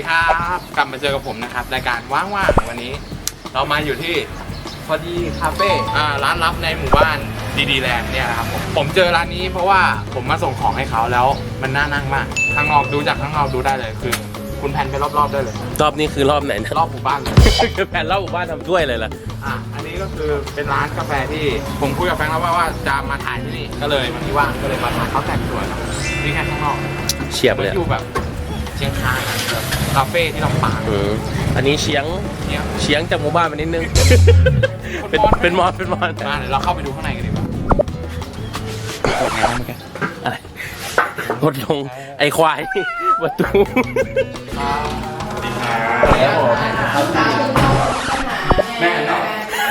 ครับกลับมาเจอกับผมนะครับรายการว่างๆวันนี้ เรามาอยู่ที่พอดีคาเฟ่ร้านลับในหมู่บ้านดีแลนด์เนี่ยนะครับผมเจอร้านนี้เพราะว่าผมมาส่งของให้เขาแล้วมันน่านั่งมากข้างนอกดูจากข้างนอกดูได้เลยคือคุณแพนไปรอบๆได้เลยรอบนี้คือรอบไหนนะรอบหมู่บ้านเลยแผ่นรอบหมู่บ้านทำถ้วยเลยล่ะอันนี้ก็คือเป็นร้านกาแฟที่ผมคุยกับแฟนแล้วว่าจะมาถ่ายที่นี่ก็เลยวันที่ว่างก็เลยมาถ่ายเขาแต่งสวยครับนี่แค่ข้างนอกเฉียบเลยอยู่แบบเชียงคานแบบคาเฟ่ที่ลำปางอันนี้เฉียงจากหมู่บ้านมานิดนึง เป็นมอนเดี๋ยวเราเข้าไปดูข้างในกันดีกว่าโอเคนะเมื่อกี้อะไรรถลงไอควายประตูแล้วผมแม่เนาะ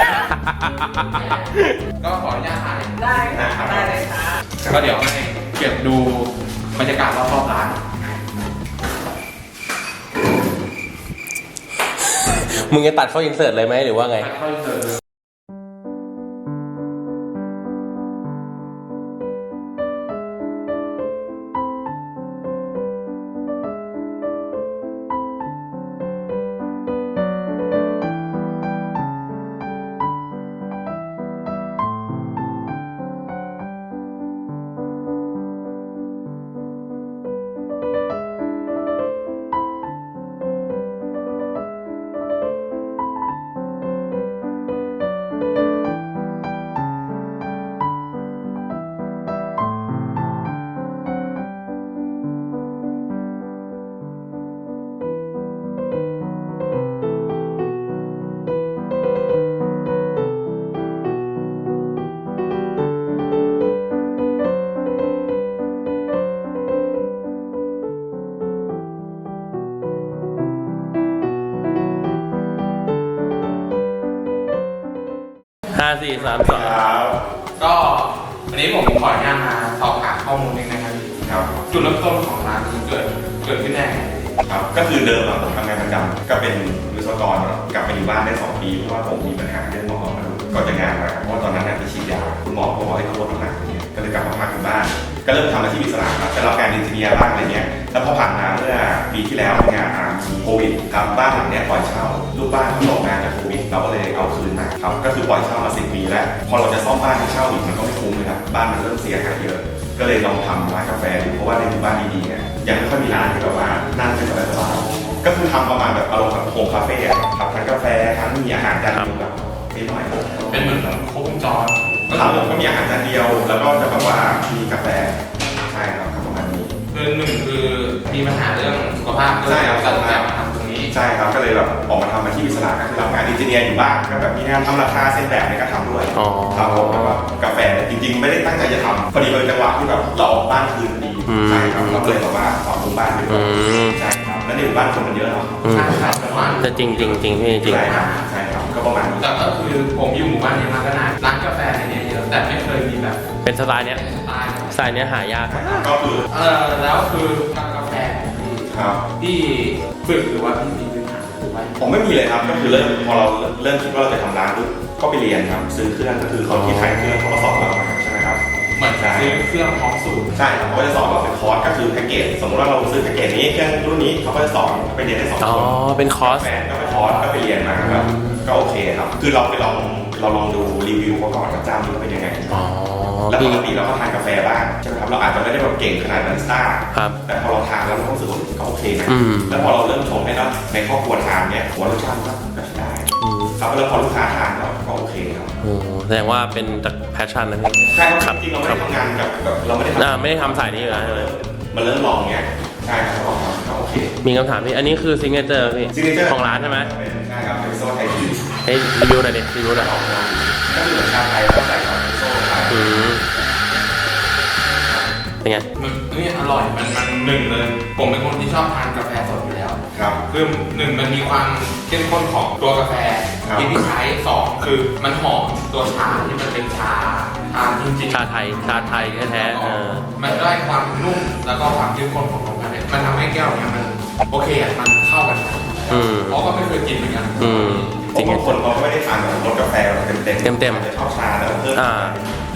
ก็ขออนุญาตถ่ายได้ค่ะได้เลยค่ะก็เดี๋ยวให้เก็บดูบรรยากาศรอบๆร้านมึงจะตัดเข้าอินเสิร์ตเลยไหมหรือว่าไง 5 4 3 2 ก็วันนี้ผมขออนุญาตมาสอบถามข้อมูลนิดนะครับจุดเริ่มต้นของร้านนี้เกิดขึ้นได้ไงครับก็คือเดิมผมทำงานประจำก็เป็นวิศวกรกลับมาอยู่บ้านได้2 ปีเพราะว่าผมมีปัญหาเรื่องหมอนก่อนจะงานมาเพราะว่าตอนนั้นไปฉีดยาคุณหมอบอกให้ลดน้ำหนักอย่างเงี้ยก็เลยกลับมาพักอยู่บ้านก็เริ่มทำอาชีพอิสระครับจะรับงานอินเทียร์บ้างอะไรเงี้ยแล้วพอผ่านมาเมื่อปีที่แล้วงานมีโควิดครับบ้านหลังเนี้ยปล่อยเช่าลูกบ้านเขาตกงานจากโควิดเราก็เลยเอาคืนมาครับก็คือปล่อยเช่ามา10 ปีแล้วพอเราจะซ่อมบ้านให้เช่าอีกมันก็ไม่คุ้มเลยครับบ้านมันเริ่มเสียหายเยอะก็เลยลองทำร้านกาแฟดูเพราะว่าในหมู่บ้านดีๆเนี่ยยังไม่ค่อยมีร้านที่แบบว่านั่งเป็นสบายๆก็คือทำประมาณแบบอารมณ์แบบโฮมคาเฟ่ครับทั้งกาแฟทั้งมีอาหารจานเดียวแบบนิดหน่อยเป็นเหมือนครบวงจรครับผมก็มีอาหารจานเดียวแล้วก็จะแบบว่ามีกาแฟใช่ครับประมาณนี้คือหนึ่งคือมีปัญหาเรื่องสุขภาพใช่ครับตัดแบบมาทำตรงนี้ใช่ครับก็เลยแบบออกมาทำอาชีพอิสระก็คือรับงานอินเจเนียร์อยู่บ้างก็แบบมีงานทำราคาเส้นแบบเนี่ยก็ทำด้วยครับผมแล้วก็กาแฟจริงๆไม่ได้ตั้งใจจะทำพอดีเป็นจังหวะที่แบบเราออกบ้านคืนดีใช่ครับเราเลยแบบว่าปรับปรุงบ้านไปด้วยใช่ครับแล้วในหมู่บ้านคนมันเยอะเนาะใช่ครับแต่จริงพี่จริงใช่ครับก็ประมาณนี้แต่ก็คือผมอยู่หมู่บ้านนี้มาก็นานร้านกาแฟเนี่ยเยอะแต่ไม่เคยมีแบบเป็นสไตล์เนี้ยสไตล์เนี้ยหายากก็คือแล้วคือกาแฟที่ฝึกหรือว่าที่มีพื้นฐานหรือว่าผมไม่มีเลยครับก็คือพอเราเริ่มคิดว่าเราจะทำร้านปุ๊บก็ไปเรียนครับซื้อเครื่องก็คือเขาที่ขายเครื่องเขาก็สอนเราใช่ไหมครับเหมือนซื้อเครื่องพร้อมสูตรใช่ครับเขาจะสอนเราเป็นคอร์สก็คือแพ็กเกจสมมติว่าเราซื้อแพ็กเกจนี้เครื่องรุ่นนี้เขาก็จะสอนไปเรียนได้2 คนเป็นคอร์สแฟนก็ไปคอร์สก็ไปเรียนมาครับก็โอเคครับคือเราลองดูรีวิวเขาก่อนกับเจ้านี้เป็นยังไงแล้วปกติเราก็ทานกาแฟบ้างใช่ไหมครับเราอาจจะไม่ได้แบบเก่งขนาดบาริสต้าแต่พอเราทานแล้วเรารู้สึกว่าก็โอเคนะแล้วพอเราเริ่มชงให้แล้วในครอบครัวทานเนี่ยหัวรสชาติก็ใช้ได้ครับแล้วพอลูกค้าทานก็โอเคครับแสดงว่าเป็นจากแพชชั่นนะพี่ใช่ครับจริงเราไม่ได้ทำงานกับเราไม่ได้ทำสายนี้อยู่แล้วเลยมาเริ่มลองเนี้ยใช่ครับก็โอเคมีคำถามพี่อันนี้คือซิงเกิลเจอร์พี่ของร้านใช่ไหมใช่ครับเป็นโซ่ไทยทีให้รีวิวหน่อยดิรีวิวหน่อยก็คือเหมือนชาไทยแล้วใส่ซอสโซ่ไทยเป็นไงนี่อร่อยมันหนึ่งเลยผมเป็นคนที่ชอบทานกาแฟสดอยู่แล้วครับคือหนึ่งมันมีความเข้มข้นของตัวกาแฟที่ใช้2คือมันหอมตัวชาที่มันเป็นชาจริงๆชาไทยแท้ๆมันได้ความนุ่มแล้วก็ความเข้มข้นของกาแฟมันทำให้แก้วเนี่ยมันโอเคมันเข้ากันเพราะก็ไม่เคยกินเหมือนกันจริงๆคนเขาก็ไม่ได้ทานแบบรสกาแฟเต็มจะชอบชาแล้วเพิ่ม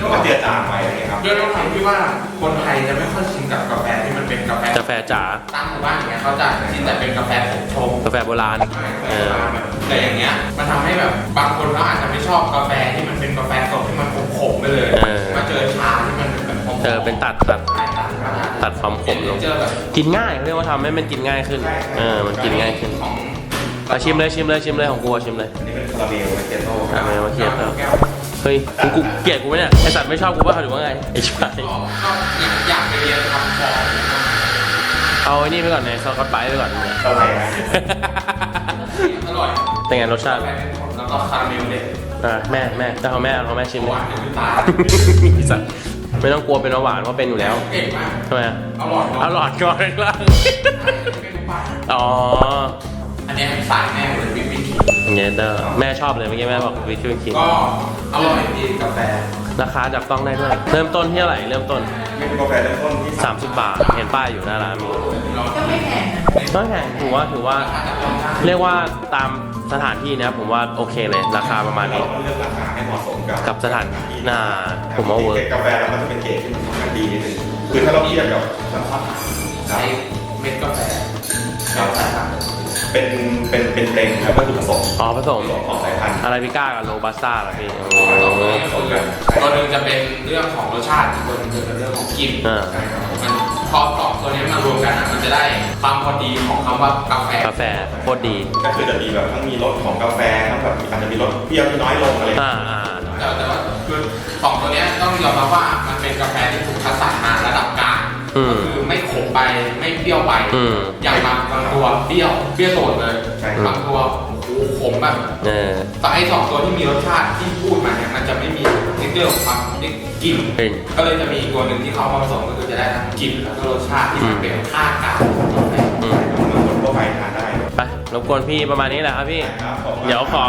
ก็เจือจางไปอะไรเงี้ยครับด้วยความที่ว่าคนไทยจะไม่ค่อยชินกับกาแฟที่มันเป็นกาแฟกาแฟจ๋าตามหมู่บ้านอย่างเงี้ยเขาจะชินแต่เป็นกาแฟผงชงกาแฟโบราณแต่อย่างเงี้ยมันทำให้แบบบางคนเขาอาจจะไม่ชอบกาแฟที่มันเป็นกาแฟสดที่มันขมๆไปเลยมาเจอชาที่มันแบบขมๆเป็นตัดความขมลงเจอแบบกินง่ายเขาเรียกว่าทำให้มันกินง่ายขึ้นมันกินง่ายขึ้นของชิมเลยของกูชิมเลยอันนี้เป็นคาราเมลมาเกโต้คาราเมลมาเคียบแล้วเฮ้ยกูเกลียดกูไหมเนี่ยไอสัตว์ไม่ชอบกูป่ะหรือว่าไงไอชิบหายอยากไปเรียนทำฟองเอาไอ้นี่ไปก่อนเนี่ยซอสกัดไปไปก่อนเนี่ยเท่าไหร่นะอร่อยเป็นไงรสชาติแล้วก็คาราเมลเด็ดแม่แต่ของแม่ชิมหเลวาย นในตาไอสัตว์ไม่ต้องกลัวเป็นเบาหวานเพราะเป็นอยู่แล้วเก่งมากทำไมอร่อยอร่อยก่อนล่างอ๋ออันนี้สายแม่เหมือนวิปปิ้งครีมอย่างเงี้ยเด้อแม่ชอบเลยเมื่อกี้แม่บอกวิคิวคิงก็อร่อยดีกาแฟราคาจับต้องได้ด้วย เริ่มต้นที่เท่าไหร่เริ่มต้นมีกาแฟเริ่มต้นที่ 30 บาท เห็นป้ายอยู่หน้าร้านมีก็ไม่แพงนะไม่แพงถือว่าเรียกว่าตามสถานที่นะผมว่าโอเคเลยราคาประมาณเรานี้ต้องเลือกราคาให้เหมาะสมกับสถานผมว่าเวิร์กเกรดกาแฟแล้วมันจะเป็นเกรดที่มันค่อนข้างดีนิดนึงคือถ้าเราเทียบกับน้ำตาลใช้เม็ดกาแฟเราใส่ครับเป็นเต็งครับวัตถุประสงค์อ๋อผสมของสายพันธุ์อาราบิก้ากับโรบัสต้าเหรอพี่ตัวหนึ่งจะเป็นเรื่องของรสชาติอีกตัวหนึงจะเป็นเรื่องของกลิ่น มันพอสองตัวนี้มารวมกันมันจะได้ความพอดีของคำว่ากาแฟกาแฟโคตรดีก็คือจะมีแบบทั้งมีรสของกาแฟทั้งแบบอาจจะมีรสเปรี้ยวที่น้อยลงอะไรแต่ว่าคือสองตัวนี้ต้องยอมรับว่ามันเป็นกาแฟที่ถูกคัดสรรมาระดับกลางก็คือไม่ขมไปไม่เปรี้ยวไปอย่างบางตัวเปรี้ยวโดดเลยบางตัวโอ้โหขมแบบแต่ไอ้สองตัวที่มีรสชาติที่พูดมาเนี่ยมันจะไม่มีนิดเดียวความนิดกลิ่นก็เลยจะมีอีกตัวหนึ่งที่เขามาผสมก็คือจะได้ทั้งกลิ่นแล้วก็รสชาติที่มันเป็นค่ากลางคนทั่วไปทานได้ไปรบกวนพี่ประมาณนี้แหละครับพี่ เดี๋ยวขอ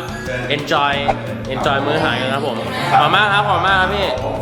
enjoy มื้ออาหารกันครับผมขอบมากครับพี่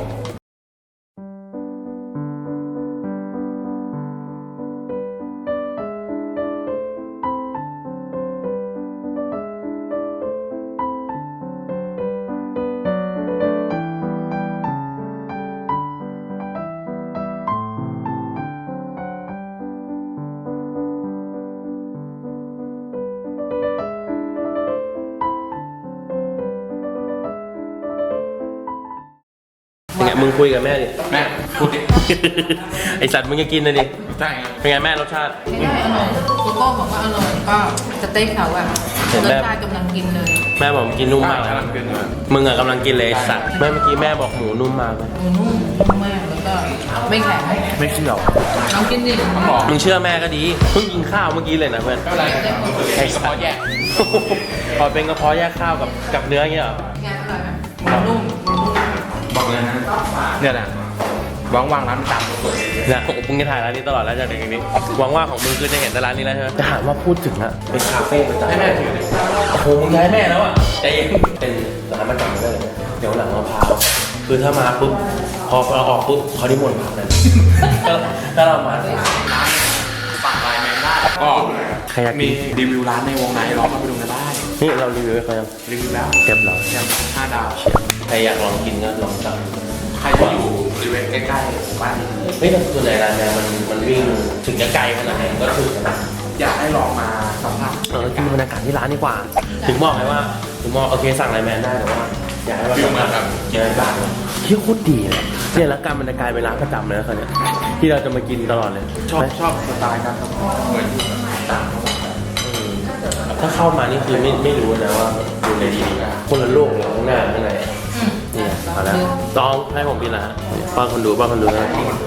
เป็นไงมึงคุยกับแม่ดิแม่พูดดิไอสัตว์มึงจะกินเลยดิใช่ครับเป็นไงแม่รสชาติไม่ได้อร่อยโกโก้บอกว่าอร่อยก็สเต็กเขาอะเห็นรแบสบชาติกำลังกินเลยแม่บอกกินนุ่มมากเลยกำลังกินเลยมึงอะกำลังกินเลยไอ้สัตว์แม่เมื่อกี้แม่บอกหมูนุ่มมากเลยหมูนุ่มมากแล้วก็ไม่แข็งไม่เชื่อลองกินดิมึงเชื่อแม่ก็ดีเพิ่งกินข้าวเมื่อกี้เลยนะเพื่อนไม่เป็นไรไอ้สปอร์ตแยกพอเป็นกระเพาะแยกข้าวกับเนื้ออย่างเงี้ยเหรองานอร่อยไหมหมูนุ่มบอกเลยนะเนี่ยแหละว่างๆร้านตำนะมึงจะถ่ายร้านนี้ตลอดแล้วจากเด็กนี้หวังว่าของมึงคือจะเห็นแต่ร้านนี้แล้วใช่ไหมจะถามว่าพูดถึงอะเป็นคาเฟ่ประจำให้แม่ถือเลยโอ้โหมึงย้ายแม่แล้วอะใจเย็นเป็นร้านประจำเลยเดี๋ยวหลังมะพร้าวคือถ้ามาปุ๊บพอเราออกปุ๊บเขานิมนต์พระเลยถ้าเรามาฝากไลน์แมนได้ก็ใครอยากมีกินรีวิวร้านในวงในลองมาไปดูกันได้นี่เรารีวิวให้เขายังรีวิวแล้วเก็บเราแชมป์5 ดาวใครอยากลองกินก็ลองสั่งใครที่อยู่บริเวณใกล้ๆหมู่บ้านนี้เฮ้ยแต่ส่วนใหญ่ร้านเนี่ยมันวิ่งถึงจะไกลขนาดไหนก็ถึงนะอยากให้ลองมาสัมผัสกินบรรยากาศที่ร้านดีกว่า ถึงบอกไงว่าถึงบอกโอเคสั่งไลน์แมนได้แต่ว่าอยากให้มาฟิลสัมเหมืผัอสนแบบเจอบ้านที่โคตรดีเลยเนี่ยแล้วการบรรยากาศเป็นร้านประจำเลยนะคนเนี้ยที่เราจะมากินตลอดเลยชอบสไตล์การทำเหมือนอยู่ต่างจังหวัดถ้าเข้ามานี่คือไม่รู้นะว่าอยู่ในดีๆคนละโลกเลยข้างหน้าข้างในนี่เอาละลองให้ผมกินละป้อนคนดูนะ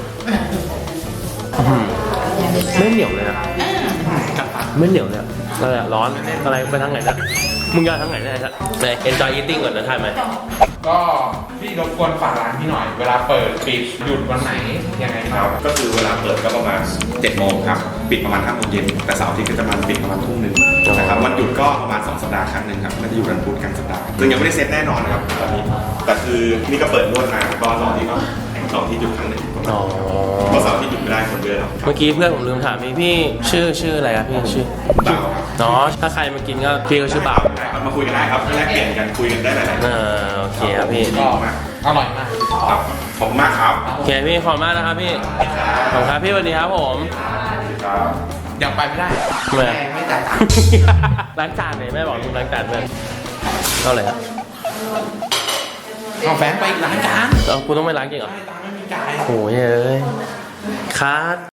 ไม่เหนียวเลยนะไม่เหนียวเลยอะไรร้อนอะไรไปทางไหนนะมึงจะทางไหนนะไป enjoy eating ก่อนนะถ่ายไหมก็พี่รบกวนฝากร้านพี่หน่อย เวลาเปิดปิดหยุดวันไหนยังไงคครัรับบ ก็คือเวลาเปิดก็ประมาณ7 โมงครับปิดประมาณ5 โมงเย็นแต่เสาร์อาทิตย์ก็จะมาปิดประมาณทุ่มนึงนะครับวันหยุดก็ประมาณ2 สัปดาห์ครั้งหนึ่งครับก็จะอยู่กันพุธกลางสัปดาห์ซึ่งยังไม่ได้เซ็ตแน่นอนนะครับตอนนี้แต่คือนี่ก็เปิดนวดมาก็ตอนนี้ก็แข็งเสาร์ที่หยุดครั้งหนึ่งอ๋อเพราะเสาร์ที่หยุดไม่ได้คนเยอะครับเมื่อกี้เพื่อนผมลืมถามพี่ชื่ออะไรครับพี่ชื่อบ่าวครับอ๋อถ้าใครมากินก็พี่ก็ชื่อบ่าวได้ครับมาคุยกันได้ครับแลกเปลี่ยนกันคุยกันได้หลายๆโอเคครับพี่ก็อร่อยมากครับขอบคุณมากครับโอเคพี่ขอบคุณมากนะครับพี่ขอบคุณครับพี่สวัสดีครับผมครับยังไปไม่ได้ทำไมแม่ไม่จ่ายตังค์ล้างจานเลยแม่บอกมึงล้างจานเพื่อนเท่าไหร่ครับเอาแฟนไปอีกร้านจานเอากูต้องไปล้างจริงเหรอไม่ตังค์ไม่มีจ่ายโอ้ยเอ้ยคัด